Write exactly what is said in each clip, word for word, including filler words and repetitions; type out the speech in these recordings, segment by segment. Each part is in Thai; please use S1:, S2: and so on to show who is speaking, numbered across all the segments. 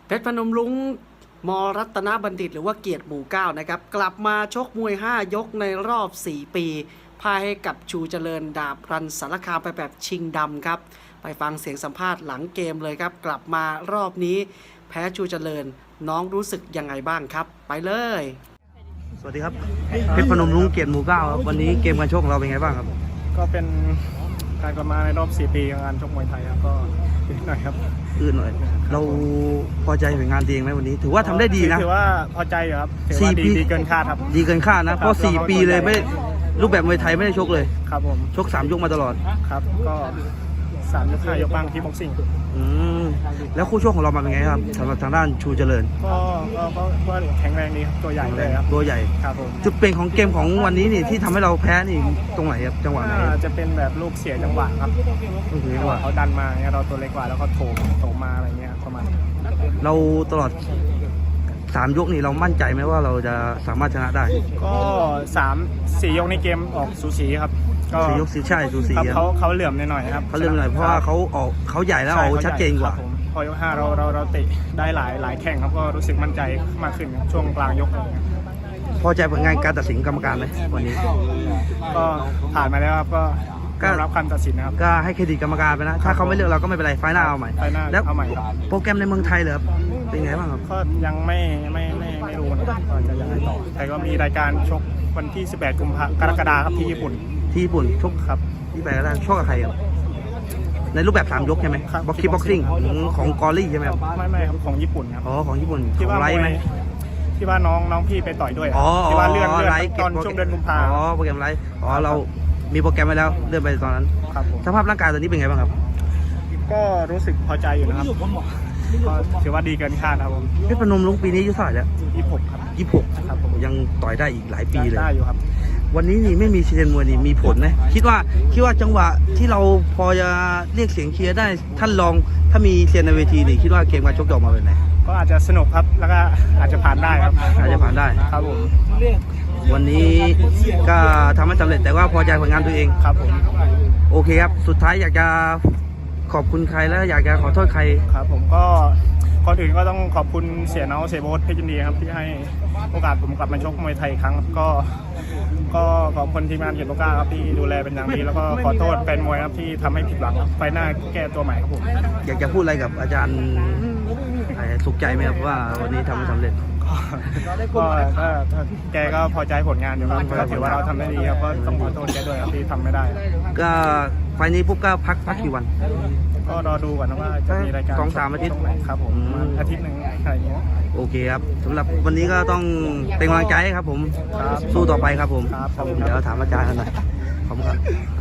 S1: เพชรพนมรุ้งมรัตนบัณฑิตหรือว่าเกียรติหมู่เก้านะครับกลับมาชกมวยห้ายกในรอบสี่ปีพ่ายให้กับชูเจริญดาบรันสารคามไปแบบชิงดำครับไปฟังเสียงสัมภาษณ์หลังเกมเลยครับกลับมารอบนี้แพ้ชูเจริญน้องรู้สึกยังไงบ้างครับไปเลยสวัสดีครับเพชรพนมรุ้งเกียรติหมู่เก้าครับวันนี้เกมการชกของเราเป็นไงบ้างครับ
S2: ก็เป็นการกลับมาในรอบสี่ปีของการชกมวยไทยครับก็นิดหน่อยครับ
S1: อื่นหน่อยเราพอใจผลงานตัวเองไหมวันนี้ถือว่าทำได้ดีนะ
S2: ถือว่าพอใจอยู่ครับถือว่าดีดีเกินคาดครับ
S1: ดีเกินคาดนะเพราะสี่ปีเลยไม่รูปแบบมวยไทยไม่ได้ชกเลย
S2: ครับผม
S1: ชกสามยกมาตลอด
S2: ครับก็สามยกห้ายกบ้างที่บ็อกซิ่ง
S1: อืมแล้วคู่ชกของเรามาเป็นไงครับสำหรับทางด้านชูเจริญ
S2: ก็ก็ก็แข็งแรงดีครับตัวใหญ่เลยครับ
S1: ตัวใหญ่
S2: ครับผม
S1: จุดเปลี่ยนของเกมของวันนี้นี่ที่ทำให้เราแพ้นี่ตรงไหนครับจังหวะไหน
S2: จะเป็นแบบลูกเสียจังหวะครับเขาดันมาเนี่ยเราตัวเล็กกว่าแล้วก็โถมโถมมาอะไรเงี้ยประมาณ
S1: เราตลอดสามยกนี่เรามั่นใจไหมว่าเราจะสามารถชนะได้
S2: ก็สามสี่ยกในเกมออกสูสีครับ
S1: ก็สี่ยกสีใช่สูสี
S2: เขาเขาเหลื่อมหน่อยครับ
S1: เขาเหลื่อมหน่อยเพราะว่าเขาออกเขาใหญ่แล้วเอาชัดเจนกว่า
S2: พอยกห้าเราเราเราเตะได้หลายหลายแข่งครับก็รู้สึกมั่นใจมากขึ้นช่วงกลางยก
S1: พอใจผลงานการตัดสินกรรมการไหมวันนี้
S2: ก็ผ่านมาแล้วครับก็รับคำตัดสินนะครับ
S1: ก็ให้เครดิตกรรมการไปนะถ้าเขาไม่เลือกเราก็ไม่เป็นไรไฟหน้าเอาใหม่
S2: แล้วเอาใหม่
S1: โปรแกรมในเมืองไทยเหรอเป็นไงบ้างครับ
S2: ก็ยังไม่ไม่ไม่ไม่รู้นะครับว่าจะยังไงต่อแต่ก็มีรายการชกวันที่สิบแปดกุมภาพันธ์กรกฎาคมครับที่ญี่ปุ่น
S1: ที่ญี่ปุ่นชก
S2: ครับ
S1: ที่ไปแล้วชกกับใครครับในรูปแบบสามยกใช่ไหมบ็อกคิกบ็อกซิ่งของกอรี่ใช่ไหมครับ
S2: ไม่ไม่ครับของญี่ปุ่นครับ
S1: อ๋อของญี่ปุ่น
S2: ที่ว่า
S1: ไลฟ์ไหม
S2: ที่ว่าน้องน้องพี่ไปต่อยด้วยที่ว่าเลื่อนเลื่อนตอนช่วงเดือนกุมภาพันธ์
S1: อ๋อโปรแกรมไลฟ์อ๋อเรามีโปรแกรมไว้แล้วเลื่อนไปตอนนั้น
S2: ครับ
S1: สภาพร่างกายตอนนี้เป็นไงบ้างครับ
S2: ก็รู้สึกพอใจอยู่นะครับก็ถือว่าดีเกินคาดครับผม
S1: เพชรพนมรุ้งปีนี้อายุเท่าไหร่แล้ว
S2: ยี่สิบหกครับ
S1: ยี่สิบหกครับผมยังต่อยได้อีกหลายปีเลย
S2: ได้อยู่ครับ
S1: วันนี้นี่ไม่มีเชียร์มวยนี่มีผลนะคิดว่าคิดว่าจังหวะที่เราพอจะเรียกเสียงเชียร์ได้ท่านลองถ้ามีเชียร์ในเวทีนี่คิดว่าเกมการชกจะออกมาเป็นไง
S2: ก็อาจจะสนุกครับแล้วก็อาจจะผ่านได้ครับ
S1: อาจจะผ่านได้
S2: ครับผม
S1: วันนี้ก็ทำให้สำเร็จแต่ว่าพอใจผลงานตัวเอง
S2: ครับผม
S1: โอเคครับสุดท้ายอยากจะขอบคุณใครแล้วอยากจะขอโทษใคร
S2: ครับผมก็ก่อนอื่นก็ต้องขอบคุณเสียเนาเสียโบ๊ทเพชรยินดีครับที่ให้โอกาสผมกลับมาชกมวยไทยอีกครั้งก็ก็ขอบคุณทีมงานเกียรติโลกาครับที่ดูแลเป็นอย่างดีแล้วก็ขอโทษแฟนมวยครับที่ทำให้ผิดหวังไฟหน้าแก้ตัวใหม่ครับผม
S1: อยากจะพูดอะไรกับอาจารย์สุขใจไหมครับว่าวันนี้ทำให้สำเร็จ
S2: ก็แกก็พอใจผลงานอยู่ครับก็ถือว่าเราทำได้ดีครับก็ต้องขอโทษแกด้วยครับที่ทำไม่ได้
S1: ก็ไฟนี้ปุ๊บก็พักพักกี่วัน
S2: ก็รอดูก่อนนะว่าจะมีรายการ
S1: สองสามอาทิตย์
S2: ครับผมอาทิตย์หนึ่งอะไรเงี้ย
S1: โอเคครับสำหรับวันนี้ก็ต้องเป็นกำลังใจให้ครับผมสู้ต่อไปครับผมเดี๋ยวถามอาจารย์กันหน่อยขอบคุณครับ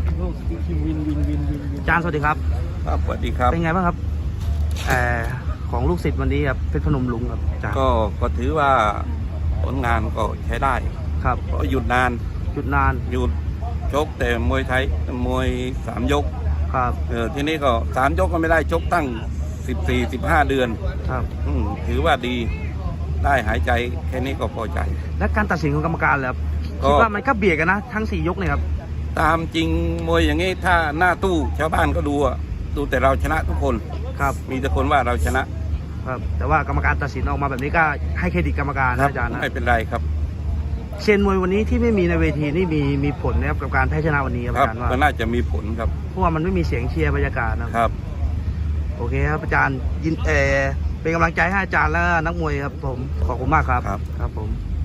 S1: อาจารย์สวัสดีครับ
S3: ครับสวัสดีครับ
S1: เป็นไงบ้างครับของลูกศิษย์วันนี้ครับเพชรพนมรุ้งครับอาจารย์
S3: ก็ก็ถือว่าผลงานก็ใช้ได้
S1: ครับ
S3: เพราะหยุดนาน
S1: หยุดนาน
S3: หยุดชกแต่มวยไทยมวยสามยก
S1: ครับ
S3: เออทีนี้ก็สามยกก็ไม่ได้ชกตั้งสิบสี่สิบห้าเดือน
S1: ครับ
S3: ถือว่าดีได้หายใจแค่นี้ก็พอใจ
S1: และการตัดสินของกรรมการแล้วคิดว่ามันก็เบียดกันนะทั้งสี่ยกเนี่ยครับ
S3: ตามจริงมวยอย่างนี้ถ้าหน้าตู้ชาวบ้านก็ดูดูแต่เราชนะทุกคน
S1: ครับ
S3: มีแต่คนว่าเราชนะครับ
S1: แต่ว่ากรรมการตัดสินออกมาแบบนี้ก็ให้เครดิตกรรมการนะอาจารย์นะ
S3: ไม่เป็นไรครับ
S1: เชียร์มวยวันนี้ที่ไม่มีในเวทีนี่มีมีผลนะครับกับการแพ้ชนะวันนี้ครับอาจารย์ว่า
S3: ก็น่าจะมีผลครับ
S1: เพราะว่ามันไม่มีเสียงเชียร์บรรยากาศ
S3: นะครับ
S1: โอเคครับอาจารย์ยินเอเป็นกำลังใจให้อาจารย์และนักมวยครับผมขอบคุณมากครับ
S3: ครับ
S1: ครับผม